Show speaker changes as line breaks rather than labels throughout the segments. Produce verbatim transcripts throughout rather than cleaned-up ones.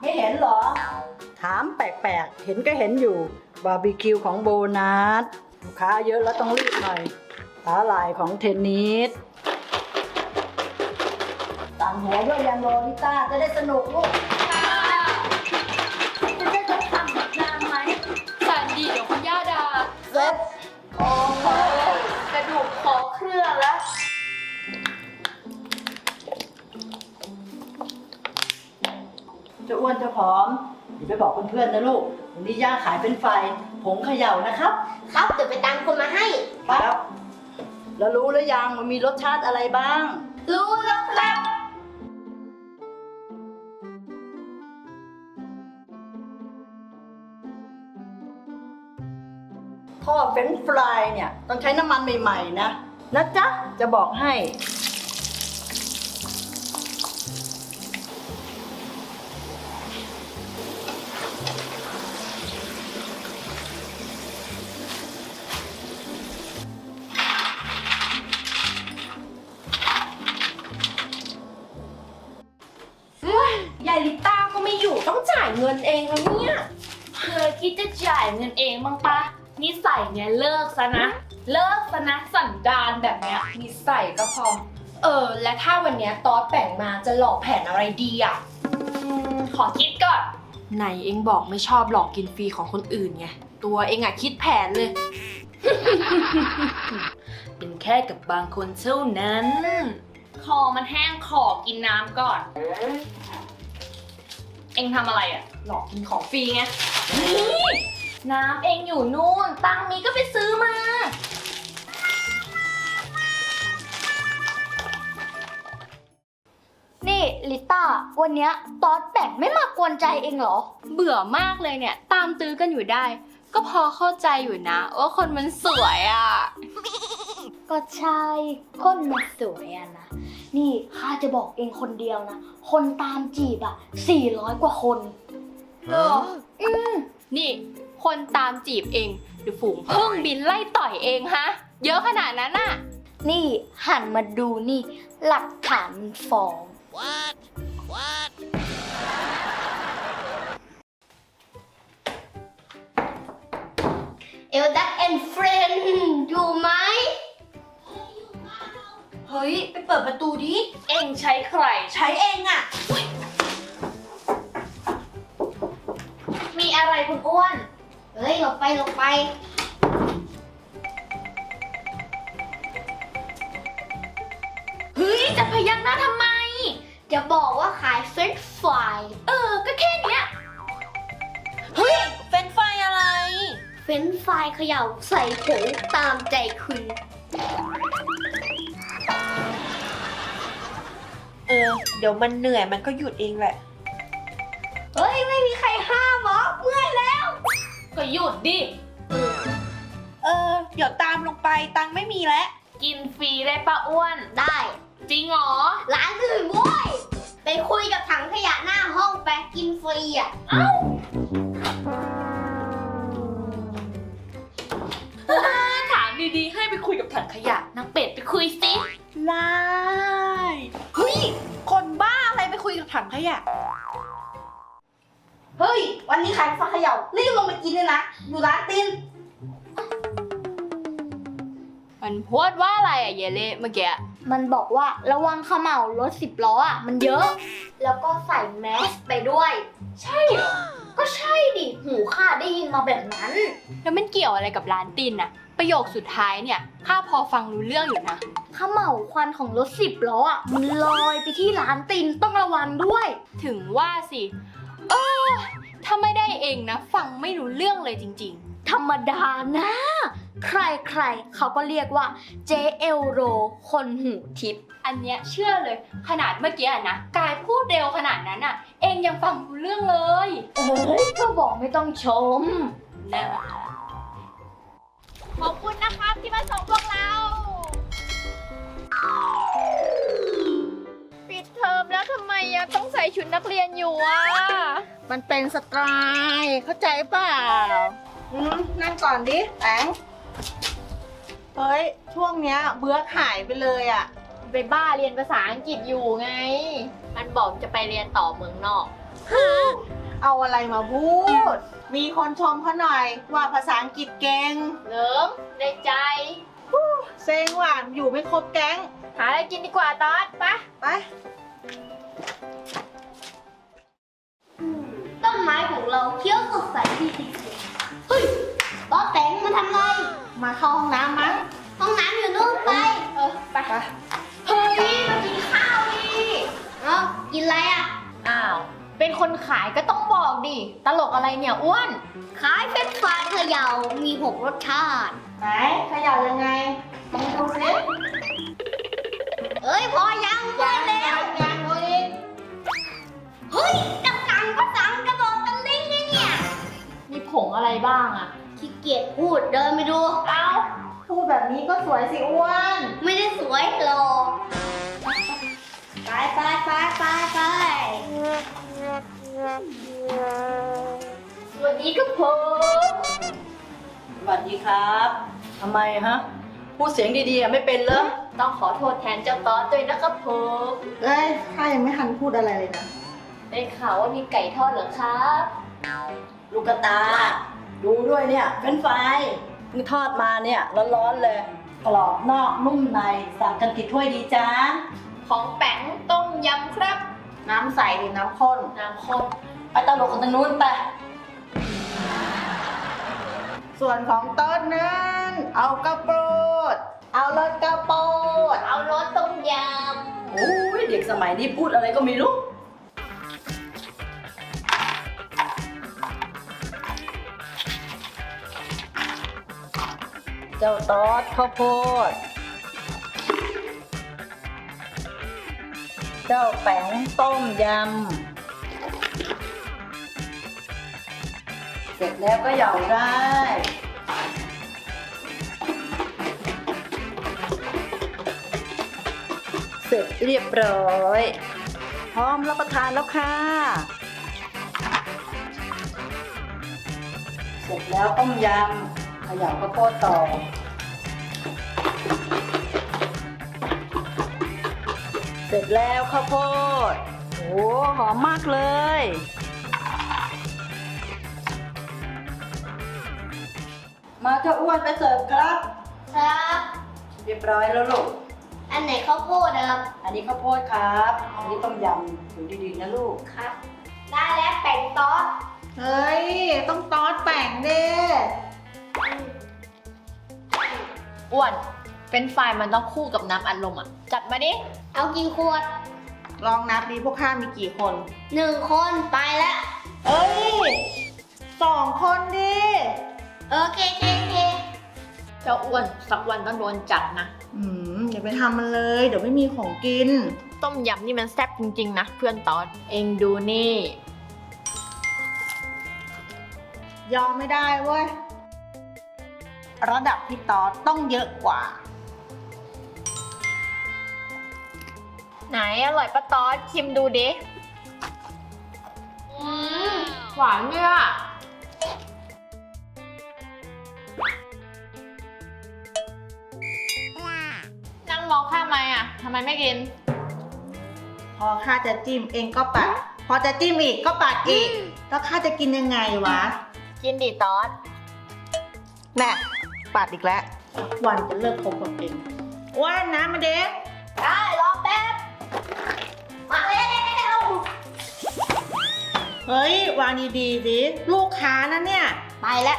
ไม่เห็นเหรอถามแปลกๆเห็นก็เห็นอยู่บาร์บีคิวของโบนัสลูกค้าเยอะแล้วต้องรีบหน่อยสาหร่ายของเทนนิสต่างหัวด้วยยังโรลิต้าจะได้สนุกลูกจะได้จะทำแบบนานไหม
สันดีเดี๋ยวคุณย่าด่า
เซ็ตโอ้โห
กระดูกคอเคลื่อนแล้ว
จะอ้วนจะผอมอย่าไปบอกเพื่อนๆนะลูกวันนี้ย่าขายเป็นไฟผงเขย่านะครับ
ครับเดี๋ยวไปตามคนมาให้
ครับแล้วรู้หรือยังมันมีรสชาติอะไรบ้าง
รู้แล้วครับ
ทอดเฟรนช์ฟรายเนี่ยต้องใช้น้ำมันใหม่ๆนะนะจ๊ะจะบอกให้
ยายลิต้าก็ไม่อยู่ต้องจ่ายเงินเองแล้วเนี่ยเคยคิดจะจ่ายเงินเองบ้างปะนิสัยเนี่ยเลิกซะนะเลิกซะนะสันดานแบบเนี้ยนิสัยก็พอเออและถ้าวันเนี้ยตอสแบ่งมาจะหลอกแผนอะไรดีอ่ะขอคิดก่อนไหนเองบอกไม่ชอบหลอกกินฟรีของคนอื่นไงตัวเองอ่ะคิดแผนเลย เป็นแค่กับบางคนเท่านั้นคอมันแห้งขอกินน้ำก่อนเอ็งทำอะไรอะหลอกกินของฟรีไงนี่น้ำเอ็งอยู่นู่นตังมีก็ไปซื้อมา
นี่ลิต้าวันเนี้ยตอสแบ่งไม่มากวนใจเองเหรอ
เบื่อมากเลยเนี่ยตามตื้อกันอยู่ได้ก็พอเข้าใจอยู่นะว่าคนมันสวยอะ
ก็ใช่คนมันสวยอะนะนี่ข้าจะบอกเองคนเดียวนะคนตามจีบอะสี่ร้อยกว่าคน
เอออืมนี่คนตามจีบเองหรือฝูงพึ่งบินไล่ต่อยเองฮะเยอะขนาดนั้นน่ะ
นี่หันมาดูนี่หลักฐานมันฟ้อง What Whatเอลดักแอนด์เฟรนด์อยู่ไหม
เฮ้ยไปเปิดประตูดิเอ็งใช้ใครใช้เองอะมีอะไรคุณอ้วน
เฮ้ยหลบไปหลบไป
เฮ้ยจะพยักหน้าทำไม
จะบอกว่าขายเฟรนช์ฟราย
เออก็แค่เนี้ยเฮ้ยเฟรนช์ฟรายอะไร
เฟรนช์ฟรายเขย่าใส่ผงตามใจคุณ
เออเดี๋ยวมันเหนื่อยมันก็หยุดเองแหละ
เฮ้ยไม่มีใครห้ามหรอเมื่อยแล้ว
ก็หยุดดิเออเดี๋ยวตามลงไปตังไม่มีแล้วกินฟรีได้ปะอ้วน
ได้
จริงเหรอ
ร้านอื่นโว้ยไปคุยกับถังขยะหน้าห้องไปกินฟรีอ่ะเอ้า
ถามดีๆให้ไปคุยกับถังขยะนางเป็ดไปคุยสิไล่เฮ้ยคนบ้าอะไรไปคุยกับถังขยะ
เฮ้ยวันนี้ขายฟักเขย่ารีบลงไปกินเลยนะอยู่ร้านติน
มันพูดว่าอะไรอะเยเล่เมื่อกี้
มันบอกว่าระวังเขม่ารถสิบล้ออ่ะมันเยอะแล้วก็ใส่แมสไปด้วย
ใช่เหรอ
ก็ใช่ดิหูข้าได้ยินมาแบบนั้น
แล้วมันเกี่ยวอะไรกับร้านตินน่ะประโยคสุดท้ายเนี่ยข้าพอฟังรู้เรื่องอยู่นะ
เขม่าควันของรถสิบล้ออ่ะมันลอยไปที่ร้านตินต้องระวังด้วย
ถึงว่าสิเออถ้าไม่ได้เองนะฟังไม่รู้เรื่องเลยจริง
ๆธรรมดานะใครๆเขาก็เรียกว่าเจเอลโรคนหูทิพย์
อันเนี้ยเชื่อเลยขนาดเมื่อกี้นะกายพูดเร็วขนาดนั้นอ่ะเองยังฟังรู้เรื่องเลย
เอ้ยก็บอกไม่ต้องชม
นะขอบคุณนะครับที่มาส่งพวกเราปิดเทอมแล้วทำไมยังต้องใส่ชุดนักเรียนอยู่อ่ะ
มันเป็นสไตล์เข้าใจเปล่าอืมนั่งก่อนดิแตงเฮ้ยช่วงเนี้ยเบื่อหายไปเลยอ่ะ
ไปบ้าเรียนภาษาอังกฤษอยู่ไงมันบอกจะไปเรียนต่อเมืองนอก
ฮะเอาอะไรมาพูด มีคนชมเขาหน่อยว่าภาษาอังกฤษเก่ง
เหลิงในใจ
เซ็งว่ะอยู่ไม่ครบแก๊ง
หาอะไรกินดีกว่าตอดไป
ไป
ต้นไม้ของเราเขียวสดใสดีจริงๆเฮ้ยต๊อดแตงมาทำไร
มาเข้าห้องน้ำมั้ง
ห้องน้ำอยู่นู่นไป
เออไป
ไป
เฮ้ยมากินข้าวดิ
เอ้ากินอะไรอ่ะ
อ้าว เป็นคนขายก็ต้องบอกดิ ตลกอะไรเนี่ยอ้วน
ขายเฟรนช์ฟรายเขย่ามีหกรสชาติ
ไหนเขย่ายังไงลองดูสิ
เอ้ยพอยังพอแล้ว
ยังโอ้ย
เฮ้ยจะสั่งก็สั่งกระโดดตะลิงเลยเนี่ย
มีผงอะไรบ้างอะ
ขี้เกียจพูดเดินไปดู
เอ้า
พูดแบบนี้ก็สวยสิอ้วน
ไม่ได้สวยหรอกไปไปไปไปไป
สวัสดีครับผม
สวัสดีครับทำไมฮะ พูดเสียงดีๆอ่ะไม่เป็นเหรอ
ต้องขอโทษแทนเจ้าตอสด้วยนะครับผม
เอ้ยข้ายังไม่ทันพูดอะไรเลยนะ
ได้ข่าวว่ามีไก่ทอดเหรอครับ
ลูกกระตา ดูด้วยเนี่ยเฟรนช์ฟรายเพิ่งทอดมาเนี่ยร้อนๆเลยกรอบนอกนุ่มในสั่งกันกี่ถ้วยดีจ้า
ของแป๋งต้มยำครับ
น้ำใสหรือน้ำข้น
น้ำข้น
ไปตลกกันทางนู้นไป
ส่วนของต้นนั้น เอากระโปรด เอารสกระโปรด
เอารสต้มย
โอ้ยเด็กสมัยนี้พูดอะไรก็ไม่รู้ เจ้าตอดข้าวโพด เจ้าแป๋งต้มยำ เสร็จแล้วก็เหยาได้ เสร็จเรียบร้อย พร้อมรับประทานแล้วค่ะ เสร็จแล้วต้มยำเขย่าข้าวโพดต่อ เสร็จแล้วข้าวโพดโอ้หอมมากเลย มาเจ้าอ้วนไปเสิร์ฟครับ
ครับ
เรียบร้อยแล้วลูก
อันไหนข้าวโพดนะครับ
อันนี้ข้าวโพดครับ อันนี้ต้มยำดูดีๆนะลูก
ครับ ได้แล้วแป่งต๊อด
เฮ้ย ต้องตอดแป้งเด้
ำอ้วน เป็นไฟมันต้องคู่กับน้ำอัดลมอ่ะ จัดมาดิ
เอากี่ขวด
ลองนับดีพวกข้ามีกี่คน
หนึ่งคนไปแล้ว
เอ้ยสองคนดิ
โอเคเคเค
เจ้าอ้วนสักวันต้องโดนจัดนะ
อืมอย่าไปทำมันเลย เดี๋ยวไม่มีของกิน
ต้มยำนี่มันแซ่บจริงๆนะเพื่อนตอสเองดูนี่
ยอมไม่ได้เว้ย ระดับพี่ตอดต้องเยอะกว่า
ไหนอร่อยปะตอสชิมดูดิ อืมหวานเนี่ยนั่งมองข้ามไหมอ่ะทำไมไม่กิน
พอข้าจะจิ้มเองก็ปัด พอจะจิ้มอีกก็ปัดอีก แล้วข้าจะกินยังไงวะ
กินดิตอส
แน่ปัดอีกแล้ว วันจะเลิกคบกับเองว่านน้ำมาเด็ก
ได้รอแป๊บ มาแล้ว
เฮ้ยวางดีๆสิลูกค้านะเนี่ย
ไปแล้ว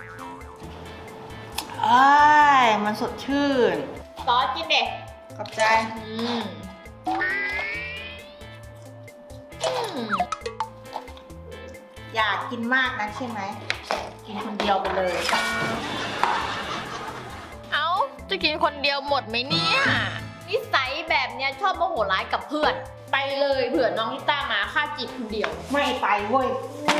เอ้ยมันสดชื่น
ตอสกินเด็ก
ขอบใจ
อืมอืม
อยากกินมากนะใช่ไหม กินคนเดียวไปเลย
เอ้า จะกินคนเดียวหมดไหมเนี่ย นิสัยแบบเนี้ยชอบโมโหร้ายกับเพื่อน ไปเลยเผื่อน้องลิต้ามาค่าจีบคนเดียว
ไม่ไปเว้ย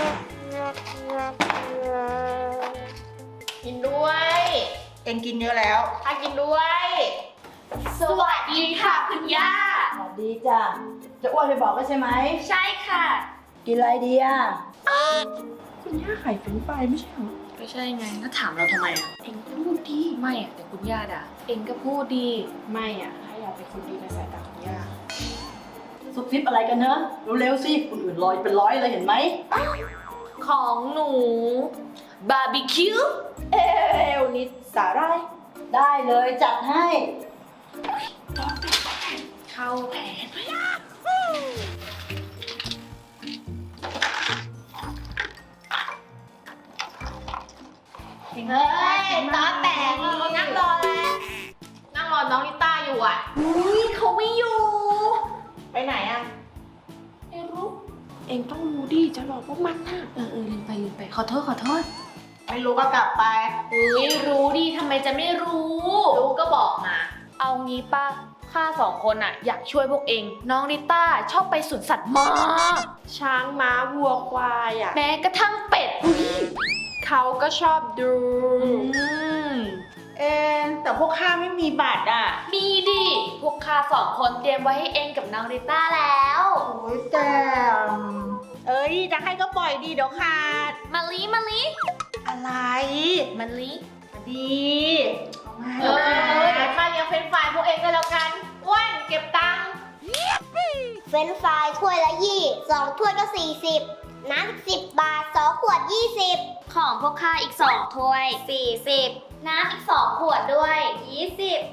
กินด้วย
เองกินเยอะแล้ว
ค่ากินด้วย สวัสดีค่ะคุณย่า
สวัสดีจ้ะ จะอ้วนไปบอกแล้วใช่ไหม
ใช่ค่ะ
กินอะไรดีอ่ะ
คุณย่าขายเฟรนช์ฟรายไม่ใช่เหรอ
ก็ใช่ไงแล้วถามเราทำไมอ่ะ
เอ็งพูดดี
ไม่อ่ะแต่คุณย่าด่าเองก็พูดดี
ไม่อ่ะถ้าอยากเป็นคนดีในสายตาของย่า
ส
ซุบซิบอะไรกันเนอะเร็วๆสิคนอื่นลอยเป็นร้อยเลยเห็นไหม
ของหนูบาร์บีคิว
เอวนิดสาหร่าย
ได้เลยจัดให้
เข้าแผน
เฮ้ยตาแตกนั่งรอแล้ว
นั่งรอน้องนิต้าอยู่อ่ะอุ้ยเขาไม่อยู่
ไปไหนอ่ะ
ไม่รู้
เองต้องรู้ดิจะหลอกพวกมันน่ะ
เออเออลืมไปลืมไป ขอโทษขอโทษ
ไม่รู้ก็กลับไป
อุ้ยรู้ดิทำไมจะไม่รู้ รู้ก็บอกมา เอางี้ป่ะข้าสองคนอะอยากช่วยพวกเอง น้องนิต้าชอบไปสวนสัตว์มาก
ช้างม้าวัวควายอ่ะ
แม้กระทั่งเป็ด
เขาก็ชอบดู
อืม
เอ็นแต่พวกข้าไม่มีบัตรอ่ะ
มีดิ พวกข้าสองคนเตรียมไว้ให้เองกับน้องนิต้าแล้ว
โอ้ยแต่เอ้ยจะให้ก็ปล่อยดีเดี๋ยวขาด
มาลีมาลี
อะไร
มาลี
ดี
เออเดี๋ยวข้าเลี้ยงเฟรนช์ฟรายพวกเองก็แล้วกันอ้วนเก็บตังค์
เฟรนช์ฟรายถ้วยละยี่สองถ้วยก็สี่สิบน้ำสิบบาทสองขวดยี่สิบของพวกข้าอีกสองถ้วยสี่สิบน้ำอีกสองขวดด้วยยี่สิบ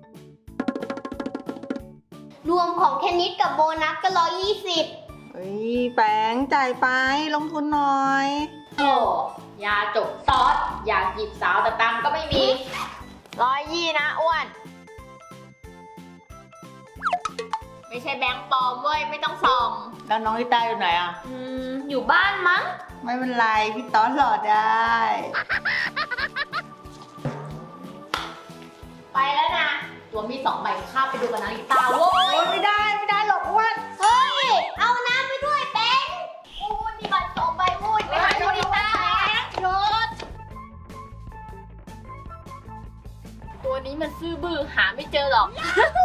รวมของเทนนิสกับโบนัสก็ร้อยยี่สิบ
เฮ้ยแปงจ่ายไปลงทุนหน่อย
โอ้ยาจกซอส อยากหยิบสาวแต่ตังค์ก็ไม่มี
ร้อยยี่นะอ้วน
ไม่ใช่แบงค์ปลอมเว้ย ไม่ต้องส่อง
แล้วน้องลิต้าอยู่ไหนอ่ะ
อืม อยู่บ้านมั้ง
ไม่เป็นไร พี่ต๊อดหลอดได้
ไปแล้วนะ ตัวมีสองใบข้าไปดูกับนาฬิตาโว้
โอ้
ย
ยไม่ได้ไม่ได้หรอกอ้วน
เฮ้ย เอาน้ำไปด้วยแบงค์โอ้ยนี่บัตรสองใบวุ้ยไปหาโนริต้า
หยุด
ตัวนี้มันซื่อบื้อหาไม่เจอหรอก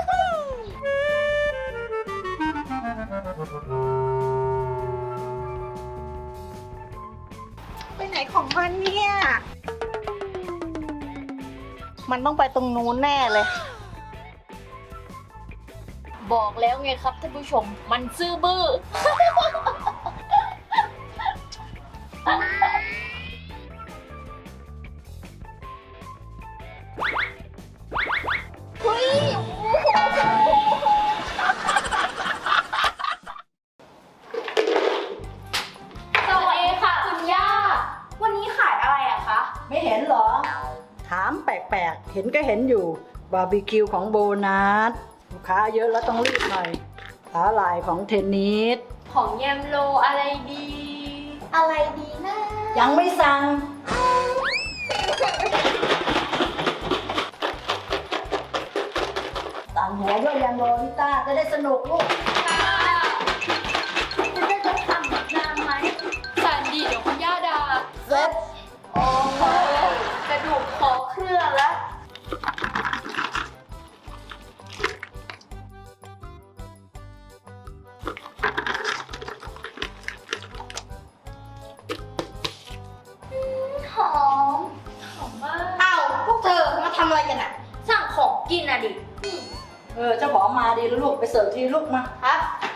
ไปไหนของมันเนี่ย มันต้องไปตรงนู้นแน่เลย
บอกแล้วไงครับท่านผู้ชม มันซื่อบื้อ
เฮ้ย
สวัสดีค่ะคุณย่า วันนี้ขายอะไรอะคะ
ไม่เห็นเหรอ ถามแปลกๆ เห็นก็เห็นอยู่ บาร์บีคิวของโบนัสลูกค้าเยอะแล้วต้องรีบหน่อยสาหร่ายของเทนนิส
ของแยมโลอะไรดี
อะไรดีนะ
ยังไม่สั่ง สั่งหัวด้วยยังโรลิต้าจะได้สนุกลูก
คุณได้จะสั่งน้ำไหมสั่งดีเดี๋ยวคุณย่าด่า
เซ็ต
โอ้โหกระดูกคอเครื่องแล้ว
หอม
หอมมาก
เอ้าพวกเธอมาทำอะไรกันอะสั่งของกินอะดิ
เออเจ้าของมาดีแล้วลูกไปเสิร์ฟทีลูกมา
ครับ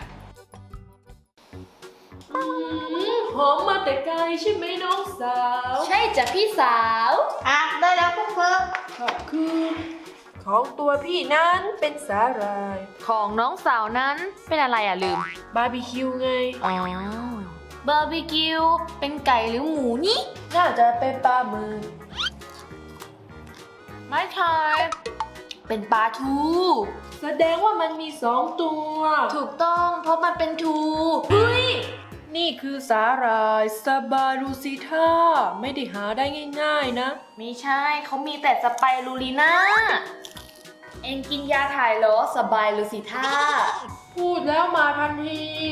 หอมมาแต่ไกลใช่ไหมน้องสาว
ใช่จ้ะพี่สาว
อ่ะ ได้แล้วพวกเธอ
ขอบคุณของตัวพี่นั้นเป็นสาหร่าย
ของน้องสาวนั้นเป็นอะไรอ่ะลืม
บาร์บีคิวไง
อ๋อ บาร์บีคิว เป็นไก่หรือหมูนี่
น่าจะเป็นปลาหมึก
ไม่ใช่เป็นปลาทู
แสดงว่ามันมีสองตัว
ถูกต้องเพราะมันเป็นทูเฮ้ย
นี่คือสาหร่ายสบารูซิท่าไม่ได้หาได้ง่ายๆนะ
ไม่ใช่เขามีแต่สไปรูลีน่า เองกินยาถ่ายเหรอสบายหรือสิท่า
พูดแล้วมาทันที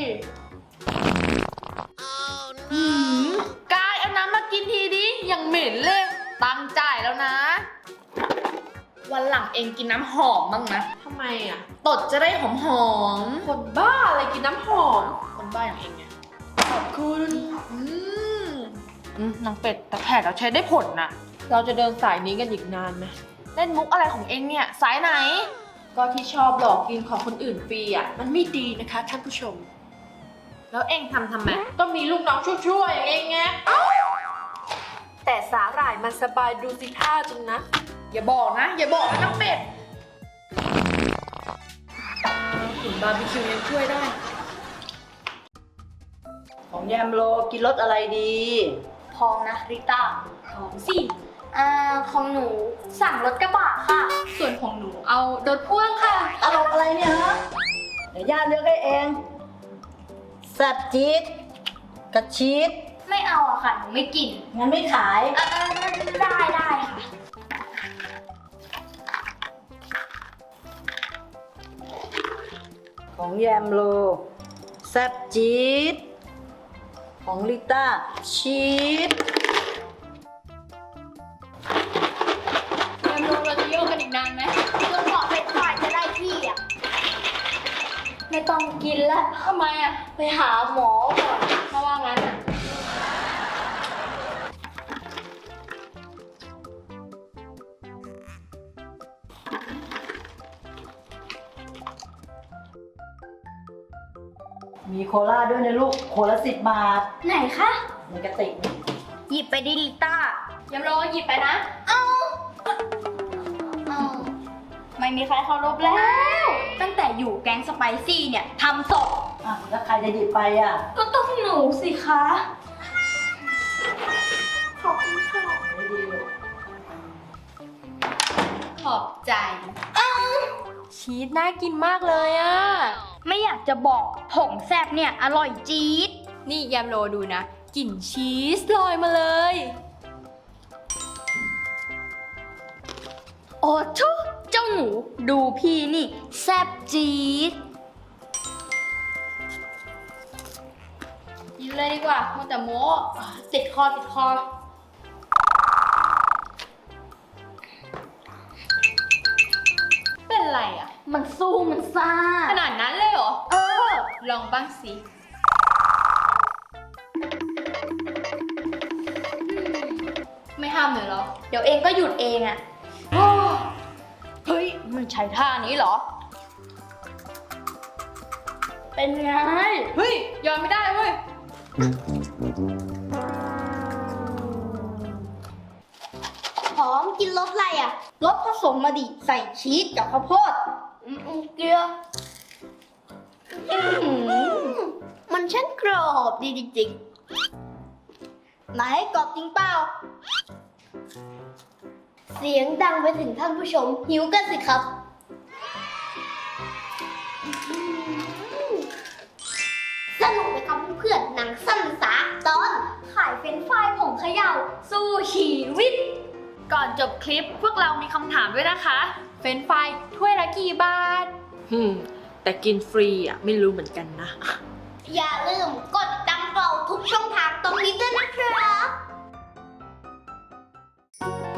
หืมกายเอาน้ำมากินทีดิยังเหม็นเลยตังค์จ่ายแล้วนะ วันหลังเองกินน้ำหอมบ้างนะ
ทำไมอ่ะ
ตดจะได้หอมหอม
คนบ้าอะไรกินน้ำหอม
ๆคนบ้าอย่างเองไง
ขอบคุณ
อืมอืมนางเป็ดแต่แผลเราใช้ได้ผลนะ
เราจะเดินสายนี้กันอีกนานไหม
เล่นมุกอะไรของเองเนี่ย สายไหน
ก็ที่ชอบหลอกกินของคนอื่นฟรีอ่ะ มันไม่ดีนะคะท่านผู้ชม
แล้วเองทำทำไม
ก็มีลูกน้องชั่วๆอย่างเงี้ยไงแต่สาหร่ายมันสบายดูสิท่าจริงนะ อย่าบอกนะ อย่าบอกนะน้องเป็ดกลิ่นบาร์บีคิวยังช่วยได้
ของแยมโลกินรสอะไรดี
พองนะริต้า
ของสิ
อ่าของหนูสั่งรถกระบะค่ะ
ส่วนของหนูเอารถพ่วงค่ะ
ตลกอะไรเนี่ยฮะ เดี๋ยวย่าเลือกให้เองแซ่บจี๊ดกระชีส
ไม่เอาอะค่ะ หนูไม่กิน
งั้นไม่ขาย
อ่าได้ได้ค่ะ
ของแยมโลแซ่บจี๊ดของลิต้าชีส
แยมโลเราจะโยกกันอีกนานไหม
จนกว่าเป็นฝ่ายจะได้ที่อ่ะ ไม่ต้องกินแล้ว
ทำไมอ่ะ
ไปหาหมอก่อน
เพราะว่างั้นอ่ะ
มีโคลาด้วยนะลูก โคละสิบบาท
ไหนคะ
ในกระติก
หยิบไปดิลิต้า
ยำโลหยิบไปนะ
เอาเอาไม่มีใครเคารพแล้ว ตั้งแต่อยู่แก๊งสไปซี่เนี่ยทำศพ
อ่ะ แล้วใครจะหยิบไปอ่ะ
ก็ต้องหนูสิคะ ขอบคุณค่ะ
ไม่ดีลูก
ขอบใจ ชีสน่ากินมากเลยอ่ะ
ไม่อยากจะบอกผงแซบเนี่ย อร่อยจี๊ด
นี่ยำโลดูนะ กลิ่นชีสลอยมาเลย
โอ้ทุเจ้าหนูดูพี่นี่ แซบจี๊ด
กินเลยดีกว่ามัวแต่โม้ติดคอติดคอ เป็นไรอ่ะ
มันสู้มันซ่า
ขนาดนั้นเลยเหรอ
เออ
ลองบ้างสิ ไม่ห้ามเลยเหรอ
เดี๋ยวเองก็หยุดเองอะ
เฮ้ย มันใช้ท่านี้เหรอ
เป็นไง
เฮ้ย ยอมไม่ได้เว้ย
หอมกินรสอะไรอะรสผสมมาดิ ใส่ชีสกับข้าวโพดอืมอืมเกลืออื้อหือมันช่างกรอบดีจริงๆไหนกรอบจริงเปล่า เสียงดังไปถึงท่านผู้ชม หิวกันสิครับ สนุกไหมครับเพื่อนๆหนังสั้นสาตอนขายเฟรนช์ฟรายผงเขย่าสู้ชีวิต
ก่อนจบคลิปพวกเรามีคำถามด้วยนะคะ เฟรนช์ฟรายถ้วยละกี่บาท
หืม แต่กินฟรีอ่ะ ไม่รู้เหมือนกันนะ
อย่าลืมกดติดตามเราทุกช่องทางตรงนี้ด้วยนะครับ